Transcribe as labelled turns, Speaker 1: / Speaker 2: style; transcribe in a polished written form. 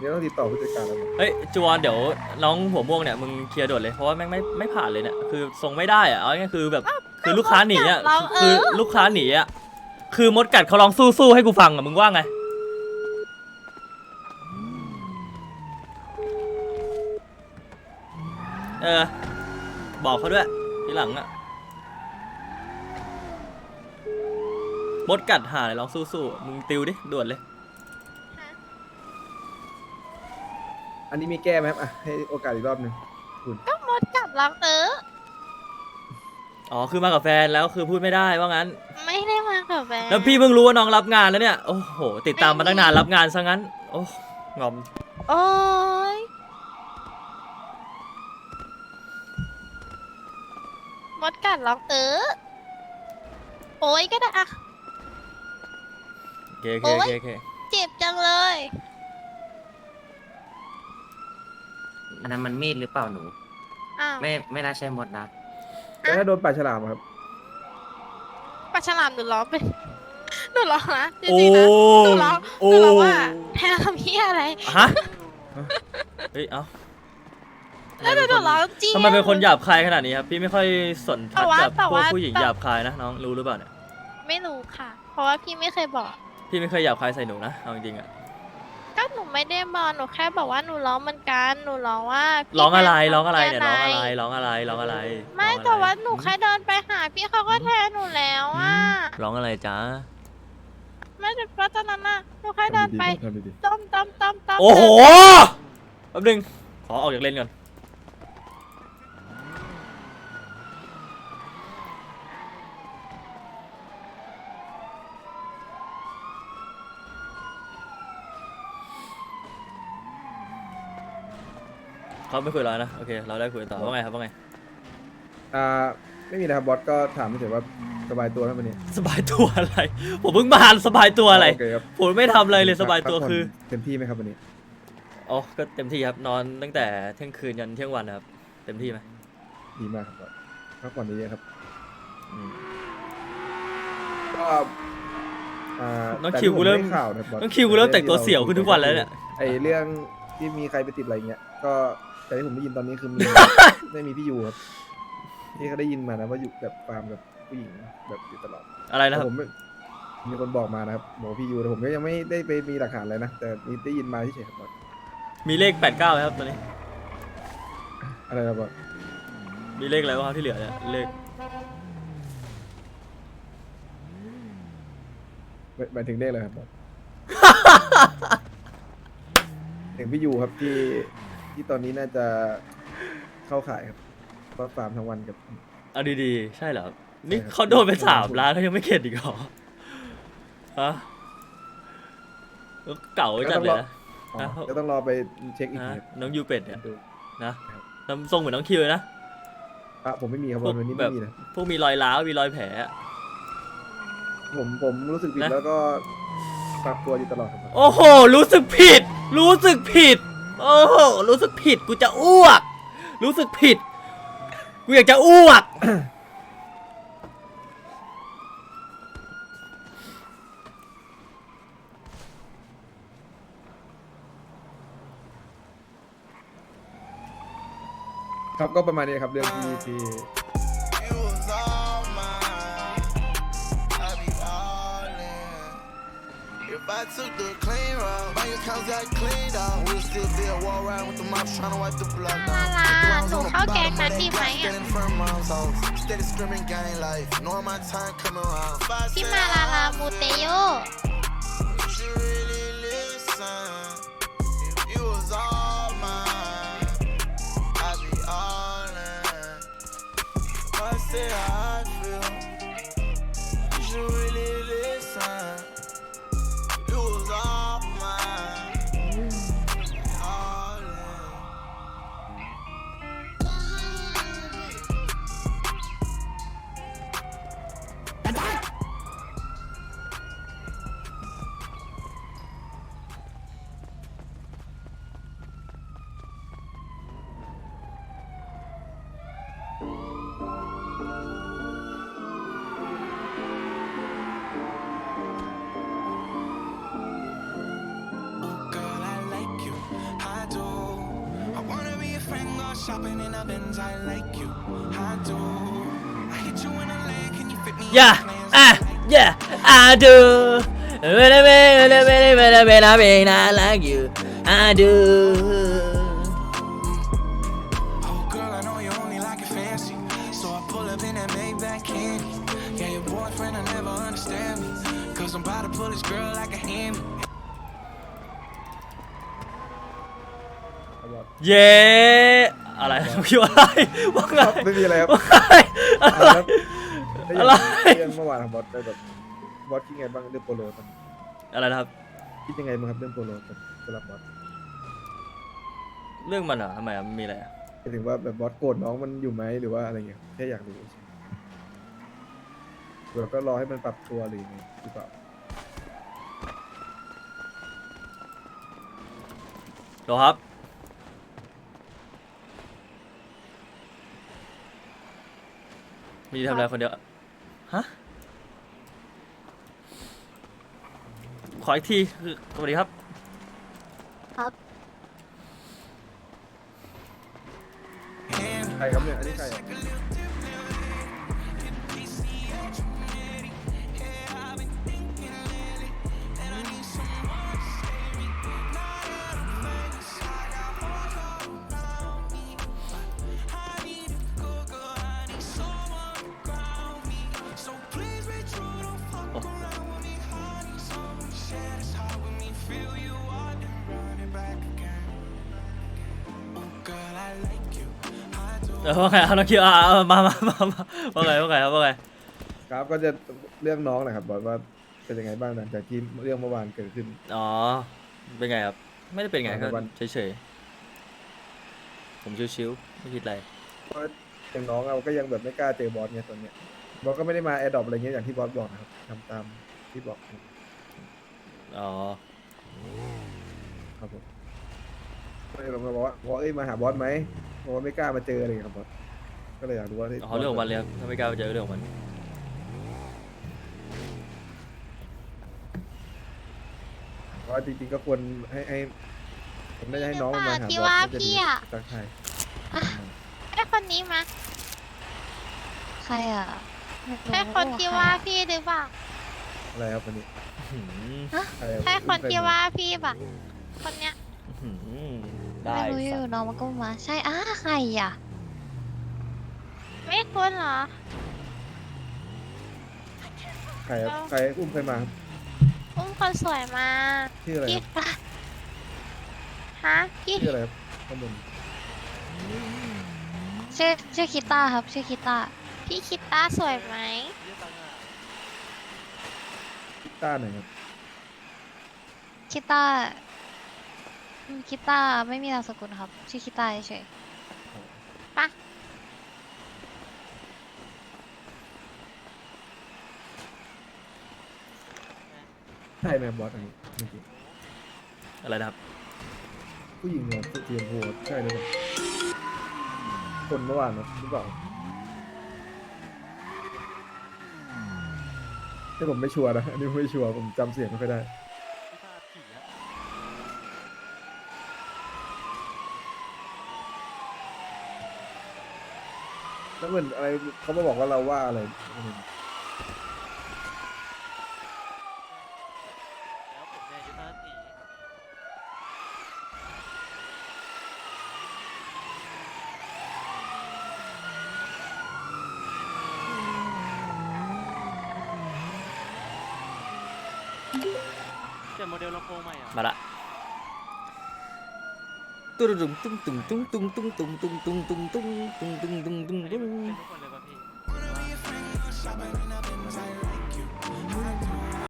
Speaker 1: ดี๋ยวต้องติดต่อผู้จัดการแล้ว
Speaker 2: เฮ้ยจวนเดี๋ยวน้องหัวม่วงเนี่ยมึงเคลียร์ด่วนเลยเพราะว่าแม่งไม่ผ่านเลยเนี่ยคือทรงไม่ได้อะเอาง่ายๆคือแบบคือลูกค้าหนีอะคือลูกค้าหนีอะคือมดกัดเขาลองสู้ให้กูฟังอะมึงว่าไงบอกเขาด้วยทีหลังอะมดกัดหาเลยลองสู้มึงติวดิด่วนเลย
Speaker 1: อันนี้มีแก้ไหมครับอ่ะให้โอกาสอีกรอบหนึ่งคุณ
Speaker 3: ก็มดกัดรัก
Speaker 2: อ๋อคือมากับแฟนแล้วคือพูดไม่ได้ว่างั้น
Speaker 3: ไม่ได้มากับแฟน
Speaker 2: แล้วพี่เพิ่งรู้ว่าน้องรับงานแล้วเนี่ยโอ้โหติดตามมาตั้งนานรับงานซะงั้นโอ้งอม
Speaker 3: โอ้ยมดกัดรักโอ้ยก็ได้อะ
Speaker 2: โอเค
Speaker 3: เจ็บจังเลย
Speaker 4: อันนั้นมันมีดหรือเปล่าหนู
Speaker 3: อ้าว
Speaker 4: ไม่น่าใช่มดนะ
Speaker 1: แล้วถ้าโดนปลาฉลามอะครับ
Speaker 3: ปลาฉลามหนูร้องไปหนูร้องนะจริงๆนะหนูร้องว่าแทนทำพี่อะไร
Speaker 2: ฮะเฮ้ยเอ้า
Speaker 3: แล้วหนูร้องจริง
Speaker 2: ทำไมเป็นคนหยาบคายขนาดนี้ครับพี่ไม่ค่อยสนทัดกับพวกผู้หญิง
Speaker 3: แต่ว่า
Speaker 2: หยาบคายนะน้องรู้หรือเปล่าเนี่ย
Speaker 3: ไม่รู้ค่ะ เพราะว่าพี่ไม่เคยบอก
Speaker 2: พี่ไม่เคยหยาบคายใส่หนูนะเอาจริงๆอะ
Speaker 3: ก็หนูไม่ได้บอกหนูแค่บอกว่าหนูร้องเหมือนกันหนูร้องว่าพี่
Speaker 2: ร้องอะไร
Speaker 3: แทน
Speaker 2: ร้องอะไรเนี่ย
Speaker 3: ทำ
Speaker 2: ร้อง
Speaker 3: พี่
Speaker 2: อะไรร้องอะไรร้องอะไร
Speaker 3: ไม่แต่ว่าหนูแค่เดินไปหาพี่เขาก็แทนหนูแล้วอ่ะ
Speaker 2: ร้องอะไรจ้า
Speaker 3: ไม่แต่เพราะตอนนั้นน่ะหนูแค่เดินไป
Speaker 1: ทำดี
Speaker 3: ต้ม
Speaker 2: โอ้โหแป๊บนึงขอออกจากเลนก่อนเขาไม่คุยแล้วนะโอเคเราได้คุยต่อว่าไงครับว่าไง
Speaker 1: ไม่มีนะครับบอสก็ถามเฉยๆว่าสบายตัวไหมวันนี้
Speaker 2: สบายตัวอะไรผมเพิ่งมาสบายตัวอะไร
Speaker 1: โอเคครับ
Speaker 2: ผมไม่ทำอะไรเลยสบายตัว
Speaker 1: พักผ่น
Speaker 2: คือ
Speaker 1: เต็มที่ไหมครับวันนี้
Speaker 2: อ๋อก็เต็มที่ครับนอนตั้งแต่เที่ยงคืนยันเที่ยงวันนะครับเต็มที่ไหม
Speaker 1: ดีมากครับบอสพักผ่อนเยอะๆครับ
Speaker 2: อืม
Speaker 1: ก็
Speaker 2: น้องคิวกูเริ่ม
Speaker 1: แต่ที่ผได้ข่าวนะบอส
Speaker 2: น้องคิวกูเริ่มแต่งตัวเสี่ยวขึ้นทุกวันแล้วเนี่ย
Speaker 1: ไอเรื่องที่มีใครไปติดอะไรเงี้ยก็แต่ที่ผมได้ยินตอนนี้คือมี ไม่มีพี่ยูครับที่เขาได้ยินมานะว่าอยู่แบบฟาร์มกับผู้หญิงแบบอยู่ตลอด
Speaker 2: อะไรนะครับ
Speaker 1: ผมมีคนบอกมานะครับบอกว่าพี่ยูแต่ผมก็ยังไม่ได้ไปมีหลักฐานอะไรนะแต่มีได้ยินมาที่เฉยๆครับบอส
Speaker 2: มีเลข89ไหมครับตอนนี้
Speaker 1: อะไรนะบอส
Speaker 2: มีเลขอะไรบ้างครับที่เหลือเนี่ยเลข
Speaker 1: หมายถึงเลขอะไรครับบอส ถึงพี่ยูครับที่ตอนนี้น่าจะเข้าขายครับเพราะฟาร์มทั้งวันกับ
Speaker 2: เอาดีๆใช่เหรอครับนี่
Speaker 1: ใช่ครับ
Speaker 2: เขาโดนไป3 ล้านเขายังไม่เข็ดอีกเหรอฮะเก่าจัดเลยนะ
Speaker 1: อ๋อ
Speaker 2: อ่ะ
Speaker 1: ก็ต้องรอไปเช็คอีกที
Speaker 2: ฮะ
Speaker 1: ครับ
Speaker 2: น้องยูเป็ดเนี่ย
Speaker 1: ดู
Speaker 2: นะครับ ทำทรงเหมือนน้องคิวเลยนะ
Speaker 1: ผมไม่มีครับ
Speaker 2: พวก
Speaker 1: วันนี้
Speaker 2: แบ
Speaker 1: ไม่
Speaker 2: บ
Speaker 1: มีนะ
Speaker 2: พวกมีรอยร้าวมีรอยแผลอะ
Speaker 1: ผมรู้สึกผิด
Speaker 2: นะ
Speaker 1: แล้วก็ปรับตัวอยู่ตลอดครับ
Speaker 2: โอ้โหรู้สึกผิด โอ้โหรู้สึกผิดกูจะอ้วก รู้สึกผิดกูอยากจะอ้วก
Speaker 1: ครับก็ประมาณนี้ครับเรื่องที่
Speaker 5: You was all mine. I be all in. If I took the clean route, bank accounts got cleaned out. We'll still be a war round with the mops trying to wipe the blood
Speaker 3: ลา
Speaker 5: down.
Speaker 3: ลาหนูเข้าแก๊งนั้นดีไหมอ่ะ
Speaker 5: Standing from mom's house, steady screaming gang life. Knowing my time coming around. If I
Speaker 3: พี่
Speaker 5: said
Speaker 3: มาลาลามูเตโย
Speaker 5: would you really listen? If you was all mine, I'd be all in. If I say how I feel, you should really listen. You was all mine, all in.
Speaker 1: ผ
Speaker 5: shopping in a Benz, I like you. I do. I hit you in a leg, can you fit me?
Speaker 2: Yeah, yeah, I do. I like you. I do.
Speaker 5: Oh girl, I know you only like it fancy, so I pull up in that Maybach candy. Yeah, your boyfriend will never understand me, cause I'm about to pull this girl like a hammy.
Speaker 1: ครับบอส
Speaker 2: เย้อะไรคิดว่าอะไรว่าไง
Speaker 1: ไม่มีอะไรครับ
Speaker 2: ว่าไงอะไร
Speaker 1: ครับแล้ว
Speaker 2: อะไร
Speaker 1: เรื่องเมื่อวานครับบอสได้แบบบอสคิดไงบ้างเรื่องโปโลตอนนี้
Speaker 2: อะไรนะครับ
Speaker 1: คิดยังไงบ้างครับเรื่องโปโลสำหรับบอส
Speaker 2: เรื่องมันเหรอทำไมอะมันมีอะไรอะ
Speaker 1: หมายถึงว่าแบบบอสโกรธน้องมันอยู่ไหมหรือว่าอะไรเงี้ยแค่อยากรู้เราก็รอให้มันปรับตัวหรือยังไงหรือเปล่า
Speaker 2: โหรอครับมีทำอะไรคนเดียวฮะขออีกทีคือสวัสดีครับ
Speaker 1: ใครครับเนี่ยอันนี้ใครอ่ะ
Speaker 5: Girl, I like you. I do.
Speaker 2: ว่าไงเอาน้องคิวมาว่าไงครับว่าไง
Speaker 1: ครับก็จะเรื่องน้องนะครับบอสว่าเป็นยังไงบ้างหลังจากที่เรื่องเมื่อวานเกิดขึ้น
Speaker 2: อ๋อเป็นไงครับไม่ได้เป็นไงก็
Speaker 1: วัน
Speaker 2: เฉยๆผมชิวๆไม่คิดอะไร
Speaker 1: เพราะอย่างน้องเราก็ยังแบบไม่กล้าเจอบอสเนี่ยตอนเนี้ยบอสก็ไม่ได้มาแอร์ดรอปอะไรเงี้ยอย่างที่บอสบอกนะครับทำตามที่บอก
Speaker 2: อ๋อ
Speaker 1: ครับผมก็เลยเราบอกว่าเอ้ยมาหาบอสไหมบอสไม่กล้ามาเจออะไรเงี้ยครับบอสก็เลยอยากรู้ว่า
Speaker 2: เขาเรื่องของมันเลยครับถ้าไม่กล้าไปเจอเรื่องของมัน
Speaker 1: เพราะว่าจริงๆก็ควรให้ผมน่าจะให้น้องมันมาหาบอส
Speaker 3: ที่ว่า
Speaker 1: น่จะดี
Speaker 3: พี่อะ
Speaker 1: ทักทาย
Speaker 3: ไอ้คนนี้มา
Speaker 6: ใครอ่ะ
Speaker 3: ใช่คนที่ว่าพี่หรือเปล่า
Speaker 1: อะไรครับวันนี้
Speaker 2: หืม
Speaker 1: ใครรับ
Speaker 3: ใช่คนที่ว่าพี่ป่ะคนเนี้ย
Speaker 2: หืมได้
Speaker 6: ไม่รู้อ
Speaker 2: สั
Speaker 6: ยู่
Speaker 2: ตว์
Speaker 6: น้องมันก็มา ใช่ใครอ่ะ
Speaker 3: ไม่คุ้นเหรอ
Speaker 1: ใครครับใครอุ้มใครมาครับ
Speaker 3: อุ้มคนสวยมา
Speaker 1: ชื่ออะไร
Speaker 3: พี่
Speaker 1: ครับ
Speaker 3: ฮะพี่
Speaker 1: ชื่ออะไรครับข้างบน
Speaker 6: ชื่อคิต้าครับ ชื่อคิต้า
Speaker 3: พี่คิดต้าสวยไหม
Speaker 1: ต้าไหนครับ
Speaker 6: คิต้าคิต้าไม่มีนามสกุลครับ ชื่อคิต้าเฉย
Speaker 3: ปะ
Speaker 1: ใช่ไหมบอสอันนี้เมื่อกี้
Speaker 2: อะไรนะครับ
Speaker 1: ผู้หญิงหัวเทียมหัวใช่เลยคนเมื่อวานนะหรือเปล่าที่ผมไม่ชัวร์นะอันนี้ผมไม่ชัวร์ผมจำเสียงไม่ค่อยได้แล้วเหมือนอะไรเขามาบอกว่าเราว่าอะไร
Speaker 7: เปลี่ยนโมเดลลำโพงใหม่อ่ะ
Speaker 2: มาละตุ้งตุ้งตุ้งตุ้งตุ้งตุ้งตุ้งตุ้งตุ้งตุ้งตุ้งตุ้งตุ้งตุ้งตุ้งตุ้ง